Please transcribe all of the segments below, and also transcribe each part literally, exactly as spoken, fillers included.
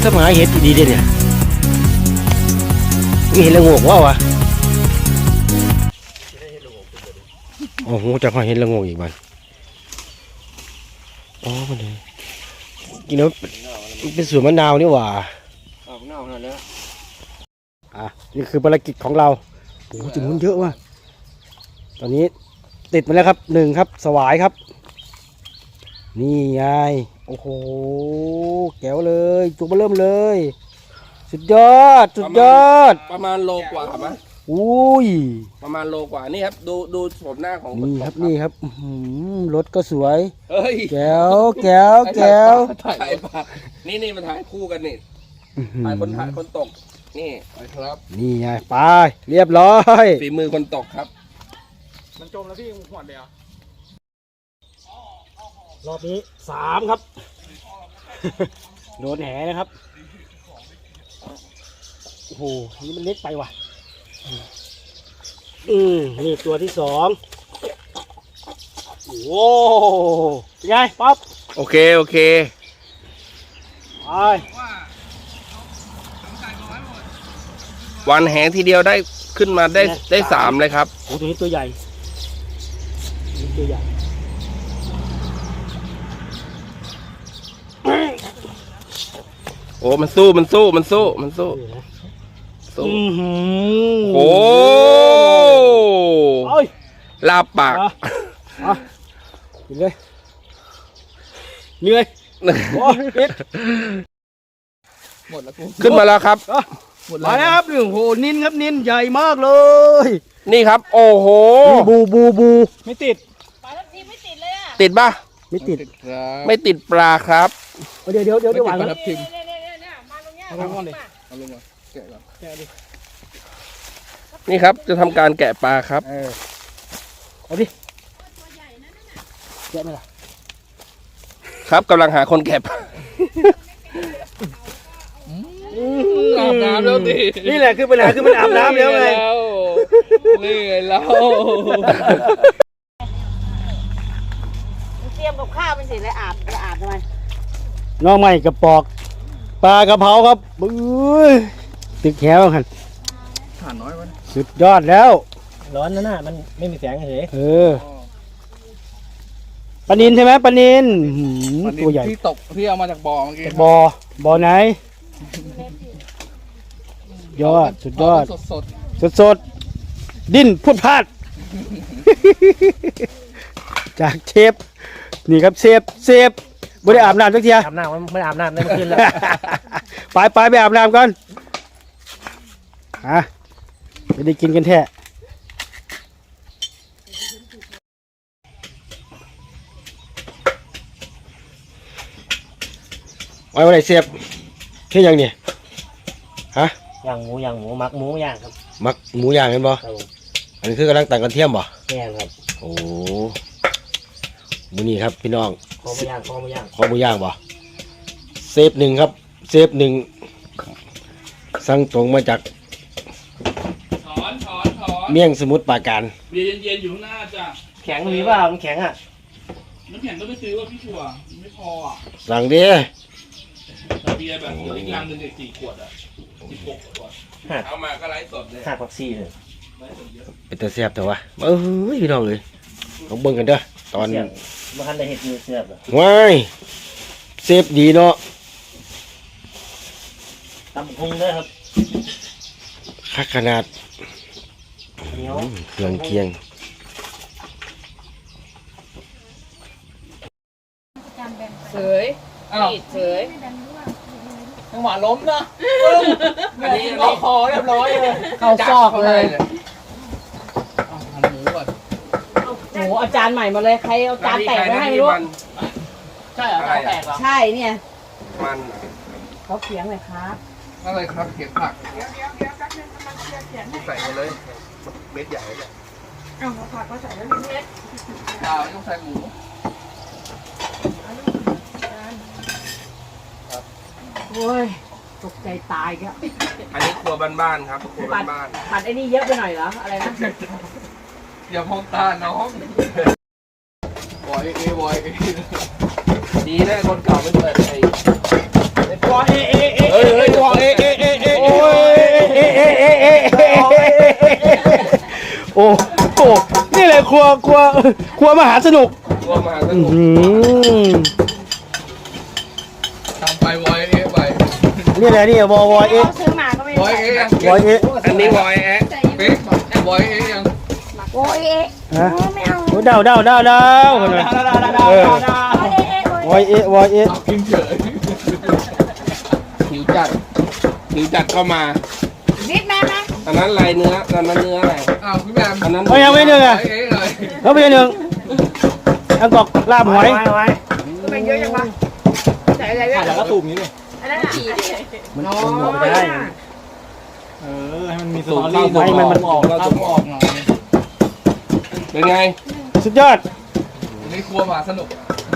สมัยเห็ดดีเด่นเนี่ยมีเห็ดละงกว่าวะโอ้โหจะพอเห็ดละงกอีกบ้านอ๋อมันเลยกินแล้วเป็นสวนมะนาวนี่หว่าอ๋อมะนาวนั่นแหละอ่ะนี่คือภารกิจของเราโอ้โหจุ่มเยอะว่ะตอนนี้ติดมาแล้วครับหนึ่งครับสวายครับนี่ไงโอ้โหแก้วเลยจุกมาเริ่มเลยสุดยอดสุดยอดประมาณโลกว่าไหมอุ้ยประมาณโลกว่านี่ครับดูดูโฉมหน้าของนี่ครับนี่ครับรถก็สวยเฮ้ยแก้วแก้วแก้วถ่ายปะนี่นี่มาถ่ายคู่กันนี่ถ่ายคนถ่ายคนตกนี่ครับนี่ไงไปเรียบร้อยฝีมือคนตกครับมันจมแล้วพี่หวดเลยอ่ะรอบนี้สามครับโดนแหนะครับโอ้โหนี่มันเล็กไปว่ะอืมนี่ตัวที่สองโอ้ยังไงป๊อปโอเคโอเคไปวันแหทีเดียวได้ขึ้นมาได้ได้สามเลยครับโอ้ตัวนี้ตัวใหญ่ตัวใหญ่โอ้มันสู้มันสู้มันสู้มันสู้สู้โอ้ลาบปากกินเลยเหนื่อยหมดแล้วกูขึ้นมาแล้วครับมาแล้วครับโอ้โหนินครับนินใหญ่มากเลยนี่ครับโอ้โหบูบูบูไม่ติดปลาทับทิมไม่ติดเลยอ่ะติดป่ะไม่ติดไม่ติดปลาครับเดี๋ยวเดี๋ยวเดี๋ยวเดี๋ยวหวานแล้วครับเอาลงก่อนเลยเอาลงมาแกะก่อนแกะดินี่ครับจะทำการแกะปลาครับเอาดิแกะไหมล่ะครับกำลังหาคนแกะปลาอาบน้ำแล้วดินี่แหละคือปัญหาคือมันอาบน้ำแล้วไงนี่ไงเราเตรียมกับข้าวเป็นสิเลยอาบจะอาบทำไมน้องใหม่กระปอกปลากระเพราครับบื้อตึกแหวกันถ่านน้อยมันสุดยอดแล้วร้อนนะน่ะมันไม่มีแสงเฉยเออปลานินใช่ไหมปลานินตัวใหญ่ที่ตกที่เอามาจากบ่อเมื่อกี้บ่อบ่อไหนยอดสุดยอดสดสดสดสดดิ้นพุดพลาดจากเชฟนี่ครับเชฟเชฟไม่ได้อาบน้ำสักทีอาบน้ำไม่อาบน้ำได้เมื่อคืนแล้วไปไปไปอาบน้ำก่อนอ่ะไม่ได้กินกันแท้ไว้วันไหนเสียบแค่ยังเนี่ยฮะย่างหมูย่างหมูมักหมูย่างครับมักหมูย่างกันบ่อันนี้คือกำลังต่างกันเทียมบ่แม่ครับโอ้หมูนี่ครับพี่น้องคอหมูย่างคอหมูย่างคอหมูย่างบ่เซฟหนึ่งครับเซฟหนึ่งสั่งตรงมาจากถอนถอนถอนเมี่ยงสมุทรปราการเบียร์เย็นๆอยู่ข้างหน้าจ้ะแข็งมีป่ะมันแข็งอ่ะน้ำแข็งก็ไม่ซื้อว่าพี่ชัวไม่พออ่ะสั่งดิเบียร์แบบอีกลังหนึ่งเด็กสี่ขวดอ่ะสิบหกขวดเอามาก็ไลฟ์สดเลยหักผักซีเลยเป็นตัวแซ่บแต่ว่าเอ้ยพี่น้องเลยลองเบิ่งกันเด้อตอนมาคันได้เห็ดมือเสียบเหรอว้ายเซฟดีเนาะตำพุงด้วยครับคักขนาดเครื่องเคียงเสยปิดเสยจังหวะล้มนะอันนี้ล็อกคอเรียบร้อยเลยเข้าซอกเลยหมูก่อนโอ้อาจารย์ใหม่มาเลยใครเอาจานแตกมาให้ไม่รู้ใช่เหรอแตกเหรอใช่เนี่ยมันเขาเขียงเลยครับอะไรครับเขียงผักใส่มาเลยเม็ดใหญ่เลยเอาผักก็ใส่แล้วเม็ดเปล่าต้องใส่หมูโอ้ยตกใจตายครับอันนี้ครัวบ้านๆครับครัวบ้านๆผัดไอ้นี่เยอะไปหน่อยเหรออะไรนะอย่ามองตาน้องบอยเอบอยเอดีแน่คนเก่าไม่เปิดไอ้บอยเอเอเอโอ้โหนี่เลยครัวครัวครัวมหาสนุกตัวมาสอื้อนุกหือทำไปวอยเอไปนี่แหละนี่วอวอเอ๊ะซื้อมาก็ไม่วอยเอวอเอ๊ะอันนี้วอยแอะเป๊กวอยเอยังโอ้ยเอ๊ะฮะไม่เอาโอ้เดาเดาเดาเดาคนละเออโอ้ยเอ๊ะวอเอ๊ะวอเอ๊ะเอากินเฉยหิวจัดหิวจัดเข้ามานิดแม่ไหมอันนั้นลายเนื้ออันนั้นเนื้ออะไรอ้าวพี่แมมอันนั้นเอายังไม่หนึ่งวอ่ะอยเอเลยเขาไปหนึ่งอังกอกลาบหอยไว้ไว้เป็นเยอะจังวะใส่อะไรเยอะแล้วก็ตูมนี้เลยอันนั้นอ่ะมันหมดได้เออให้มันมีสสูตตอรรี่เราไม่มันมันออกเราเอาสูตรออกหน่อยเป็นไงสุดยอดในครัวมาสนุก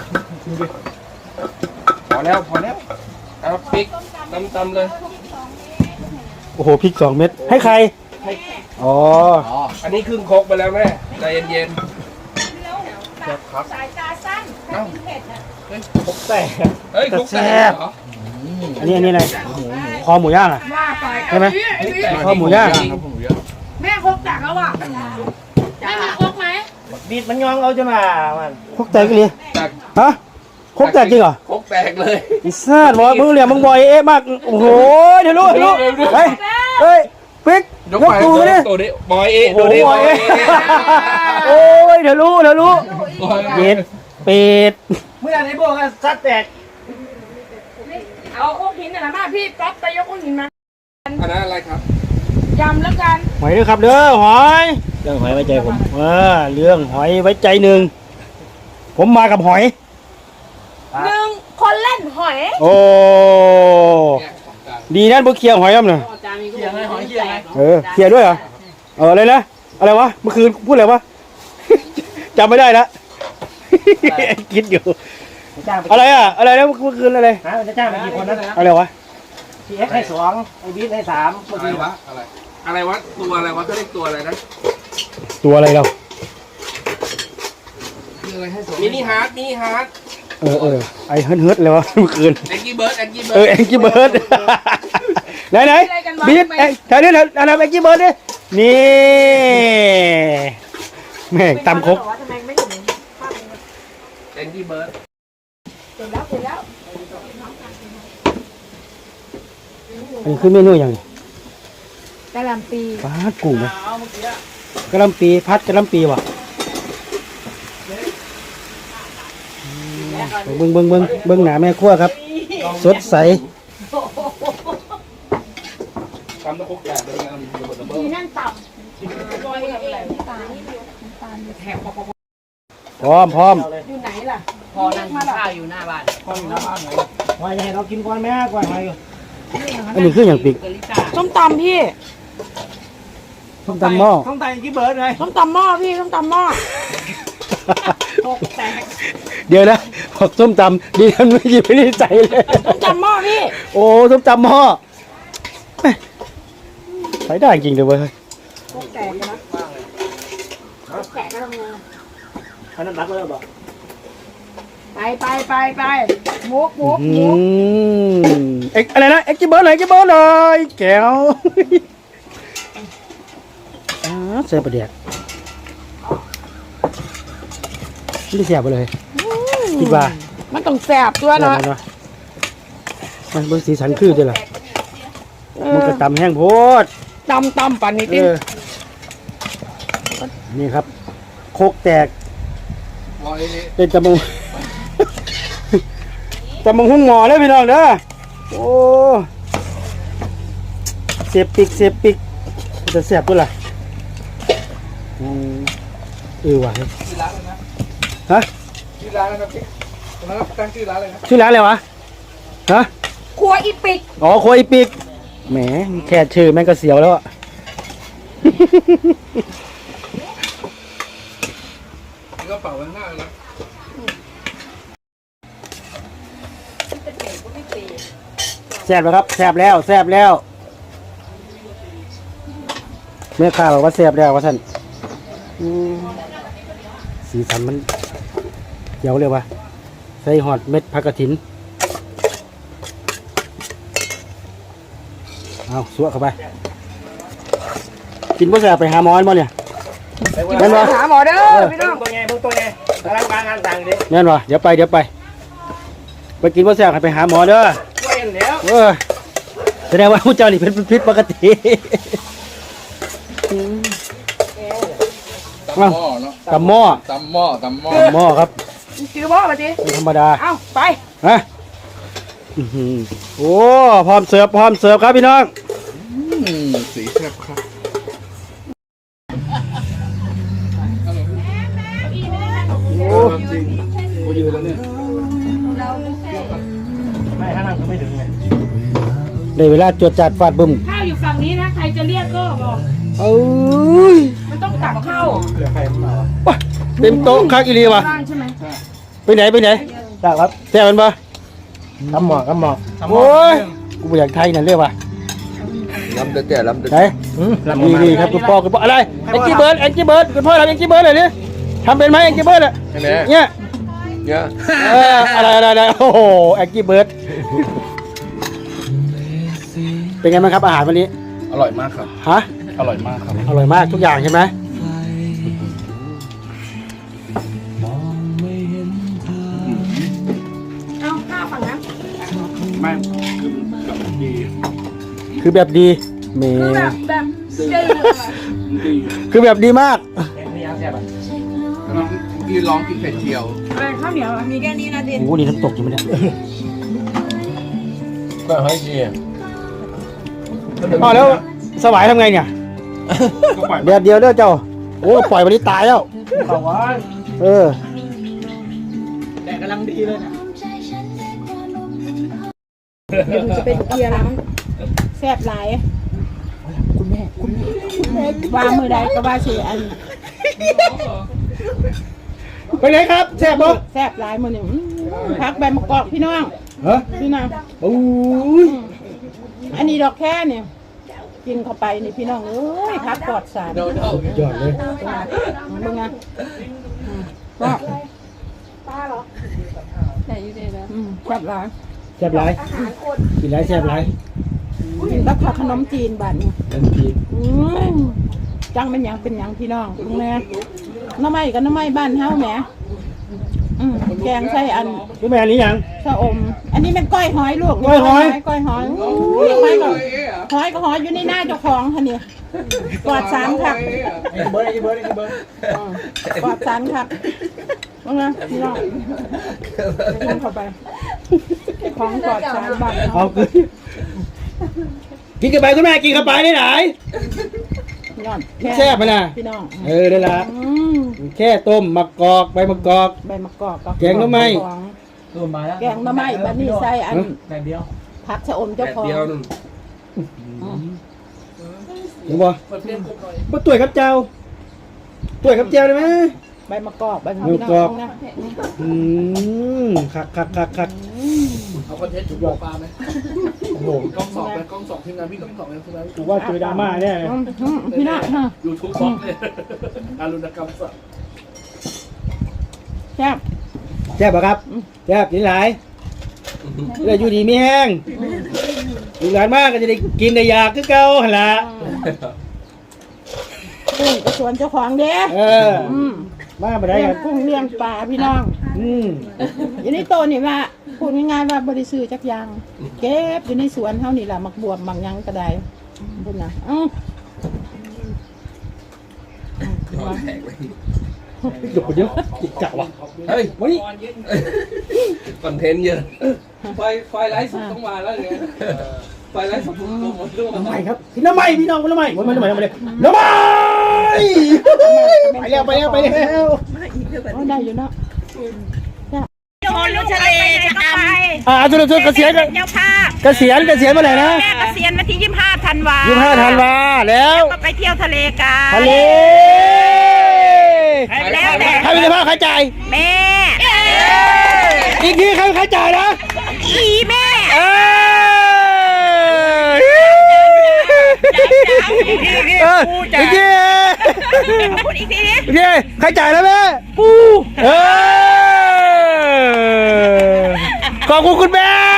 พอแล้วพอแล้วเอาพริกตำตำๆเลยโอ้โหพริกสองเม็ดให้ใครอ๋ออ๋ออันนี้ครึ่งครกไปแล้วแม่ใจเย็นสายตาสั้นถ้ากินเผ็ดอ่ะพกแต่ๆเฮ้ยครกแตกเหรออันนี้อันนี้อะไรคอหมูย่างอ่ะว่าไปใช่ไหม ข้าวหมูย่างครับหมูย่างแม่คกจากแล้วอ่ะแม่มีคกไหมบีดมันยองเอาจะมามันครกแตกกันเลยจากฮะครกแตกจริงเหรอครกแตกเลยอิซ่าบอยมึงเหลี่ยมมึงบอยเอ๊ะมากโอ้โหเดี๋ยวรู้เดี๋ยวรู้เฮ้ยเฮ้ยปิ๊กยกตูมาดิตัวนี้บอยเอะโอ้ตัวโหนี้บบ ออย ยเอ๊ะเอะโอ้ยเดี๋ยวรู้เดี๋ยวรู้วอยเอเป็ดเป็ดเมื่อไหร่พวกซัดแตกเอาคกหินหน่อยนะมาพี่ก๊อฟไปยกคกหินมาอันนั้นอะไรครับยำแล้วกันหอยด้วยครับเด้อหอยเรื่องหอยไว้ใจผมเออเรื่องหอยไว้ใจหนึ่งผมมากับหอยหนึ่งคนเล่นหอยโอ้ดีนั่นพวกเคลียร์หอยครับเนี่ยเคียงไงหอยเคียงไงเออเคลียร์ด้วยเหรอเอออะไรนะอะไรวะเมื่อคืนพูดอะไรวะ จำไม่ได้ละคิดอยู่จ้างไปอะไรอ่ะอะไรนะเมื่อคืนอะไรฮะจะจ้างไปกี่คนนะอะไรวะพี่เอ็กให้สองไอ้บีดให้สามเมื่ออะไรกี้วะอะไรอะไรวะตัวอะไรวะเขาเรียกตัวอะไรนะตัวอะไรเราคืออะไรให้สมมินิฮาร์ดมินิฮาร์ดเออเออไอเฮิร์ทเฮิร์ทเลยวะเมื่อคืนแองกี้เบิร์ดแองกี้เบิเอร์อดแองกี้เบิร์ด ไหนไหนบีบแองแถวนี้แถวอันนั้นแองกี้เบิร์ดดินี่แม่งตำครกทำไมไม่ถึงแองกี้เบิร์ดเสร็จแล้วเสร็จแล้วอันนี้คือเมนูอย่างนี้กะหล่ำปีปลากุ้งไหมกะหล่ำปีพัดกะหล่ำปีว่ะเบิ้งเบิ้งเบิ้งเบิ้งหนาแม่ครัวครับ สดใสทำตะคุกแตกเลยนะระเบิดระเบิทีดนั่นต่ำลอยอะไรตานี่ตาแถบพร้อมพร้อมอยู่ไหนล่ะพอนั่งกินข้าวอยู่หน้าบ้านก้อนอยู่หน้าบ้านไหนหอยจะให้เรากินก่อนไหมก่อนหอยอยู่อันนี้คืออย่างปีกเกลิซ่าส้มตำพี่ส้มตำหม้อต้องไต่กี่เบิร์ดไงส้มตำหม้อพี่ส้มตำหม้อตกแตกเดี๋ยวนะบอกส้มตำดีทันไม่หยิบไม่ได้ใจเลยส้มตำหม้อพี่โอ้ส้มตำหม้อแม่ใช้ได้จริงเลยเว้ยตกแตกนะตกแตกก็ทำไงอันนั้นรักเลยบอกไปไปไปไปมุกมุกอืมุกมเอ็กอะไรนะเอ็กซ์เบิร์ดเลยเอ็กซ์เบิร์ดเลยแก้วอ่าเสียประเดี๋ยวไม่ได้เสียไปเลยคิดว่ามันต้องแสบตัวเนาะเนาะมันเป็นสีสันคือด้วยล่ะมันก็ตำแห้งโพดตำตำปันนี่เอติอนี่ครับ โคกแตกวอยเอเป็นตะมง ตะมงหุ้งหมอเลยพี่น้องเด้อโอ้เสียบปิกเสียบปิกจะเสียบด้วยล่ะอืมเออว่ะชื่อร้านเลยนะฮะชื่อร้านนะครับพี่ตรงนั้นตั้งชื่อร้านเลยนะชื่อร้านอะไรวะฮะครัวอีปิกอ๋อโคอีปิกแหมแค่ชื่อแม่งก็เสียวแล้วอะนี่ก็เป่าไว้ข้างหน้าเลยนะแซ่บแล้วครับแซ่บแล้วแซ่บแล้วแม่ค้าบอกว่าแซ่บแล้วว่าท่านอืมสีสันมันเขียวเลยวะใส่หอดเม็ดผักกระถินเอาสวะเข้าไปกินบ่แซ่บไปหาหมอนบ่เนี่ยแม่นบ่หาหมอเด้อพี่น้องตัวไงพวกตัวไงกำลังการงานต่างดิแม่นบ่เดี๋ยวไปเดี๋ยวไปไปกินบ่แซ่บให้ไปหาหมอเด้อช่วยกันแล้วเออแสดงว่าผู้เจ้านี่เป็นพิษปกติตำหม้อเนาะตำหม้อตำหม้อตำหม้อตำหม้อครับชื่อพ่อมาดิไม่ธรรมดาเอ้าไปฮะอื้อหือโอ้พร้อมเสิร์ฟพร้อมเสิร์ฟครับพี่น้องอืมสีแซ่บครับโอ้จริงโอ้ยืนแล้วเนี่ยไม่ถ้านั่งก็ไม่ถึงไงได้เวลาจวดจัดฟาดบึ้มข้าวอยู่ฝั่งนี้นะ ใครจะเรียกก็บอกเอ้ยมันต้องตักเข้าเหลือใครมาวะว้าเต็มโต๊ะคักอีหลีว่ะบ้านใช่ไหมไปไหนไปไหนได้ครับแซ่บมันปะกำหมอกกำหมอกโอ้ยกูบ่อยากไทยนั่นเรียกว่าลำเด็ดๆลำเด็ดไหนนี่นี่ครับคุณพ่อคุณพ่ออะไรแองจี้เบิร์ดแองจี้เบิร์ดคุณพ่อทำแองจี้เบิร์ดหน่อยดิทำเป็นไหมแองจี้เบิร์ดอ่ะใช่ไหมเนี่ยเนี่ยเอออะไรอะไรอะไรโอ้โหแองจี้เบิร์ดเป็นไงบ้างครับอาหารวันนี้อร่อยมากครับฮะอร่อยมากครับอร่อยมากทุกอย่างใช่ไหมเอาข้าวฝั่งนั้นไม่คือกับดีคือแบบดีเมคือแบบแบบเจ๋งดีคือแบบดีมากนี่ยังแซ่บอ่ะกำลังกินร้องกินไข่เจียวอะไรข้าวเหนียวอะมีแค่นี้นะดิโอ้โหนี่น้ำตกอยู่ไหมเนี่ยก็ให้ดีอ๋อแล้วสวายทำไงเนี่ยก็ปล่อยเดี๋ยวเดียวเด้อเจ้าโอ้ปล่อยวันนี้ตายแล้วเขาว่าเออแดดกำลังดีเลยนะเดี๋ยวหนูจะไปเคลียร์ร้านแซ่บหลายคุณแม่คุณแม่วางมือใดก็ว่าสิอันไปไหนครับแซ่บปะแซ่บหลายมือนี่อื้อพักใบมะกอกพี่น้องฮะพี่น้องโอ้ยอันนี้ดอกแค่เนี่ยกินเข้าไปนี่พี่น้องเอ้ยพักปลอดสารยอดเลยมึงไงก็ป้าเหรอใช่ยูเดย์แล้วอืมแซ่บหลายแซ่บไรกินไรแซ่บไรกินกับข้าวขนมจีนบ้านนี้ทันทีอืมจังเป็นหยังเป็นหยังพี่น้องลุงแม่น้ำไม้กับน้ำไม้บ้านเฮาแหมอืมแกงใส่อันรู้ไหมอันนี้ยังชะอม อันนี้เป็นก้อยหอยลูกก้อยหอยก้อยหอยอุ้ยหอยก็หอยก็หอยอยู่ในหน้าเจ้าของค่ะนี่ปลอดสารค่ะไอ้เบิร์ดไอ้เบิร์ดไอ้เบิร์ดอืมปลอดสารค่ะว่าไงพี่น้องกินเข้าไปของปลอดสารบ้านเอาเฮาคือกินกันไปคุณแม่กินกันไปได้ไหนพี่น้องแซ่บไหมล่ะพี่น้องเออได้ละอืมแค่ต้มมะกอกใบมะกอกใบมะกอกบแกงหน่อไม้ของรวมมาแล้วแกงหน่อไม้บัดนี้ใส่อันแดดเดียวผักชะอมแดเจ้าดของเดียวนึงเห็นบ่บ่ตุ๋ยครับเจ้าตุ๋ยครับเจ้าได้ไหมใบมะกอกใบมะใบมะกอกนะอืมคักคักคักคักเอาคอนเทนต์จุดหัวปลาไหมโอ้โหกล้องสองไหมกล้องสองทีมงานพี่กล้องสองไหมทีมงานกูว่าเจอดราม่าแน่อืมอืมพี่น้องฮะยูทูบสองเลยอารุณกรรมสัตว์แซ่บแซ่บปะครับแซ่บกินหลายเดี๋ยวอยู่ดีไม่แห้งอยู่หลานมากก็จะได้กินได้อยากคือเก่าหั่นล่ะกุ้งกระสวนเจ้าของเด้เอออืมมาบ่ได้เลี้ยคงรับกุ้งเลี้ยงปลาพี่น้องอืมอยู่ในโตนี่ว่าพูดง่ายๆว่าบริสุทธิ์จักอยางเก็บอยู่ในสวนเท่านี่แหละมักบวบบางหยังก็ได้พูดนะอือแตกเลยหยุดไปเดี๋ยวจิกกะว่ะเฮ้ยวันนี้คอนเทนต์เยอะไฟไฟไลฟ์สดต้องมาแล้วเนี่ยไฟไลฟ์สดต้องมาด้วยน้ำใหม่ครับพี่น้ำใหม่พี่น้องน้ำใหม่วันนี้น้ำใหม่น้ำใหม่น้ำใหม่ไปแล้วไปแล้วไปแล้วโอ้ได้อยู่เนาะคนลูกทะเลจะไปอ่าจุดจุดเกษียณเจ้าภาพเกษียณเกษียณเมื่อไหร่นะแม่เกษียณวันที่ยี่สิบห้าธันวายี่สิบห้าธันวาแล้วก็ไปเที่ยวทะเลกันทะเลแล้วแต่ใครเป็นเจ้าภาพใครจ่ายแม่อีกทีใครใครจ่ายนะอีแม่เออเอออีกทีพูดอีกทีนี้อีกทีใครจ่ายแล้วแม่ปูเออขอบคุณคุณแม่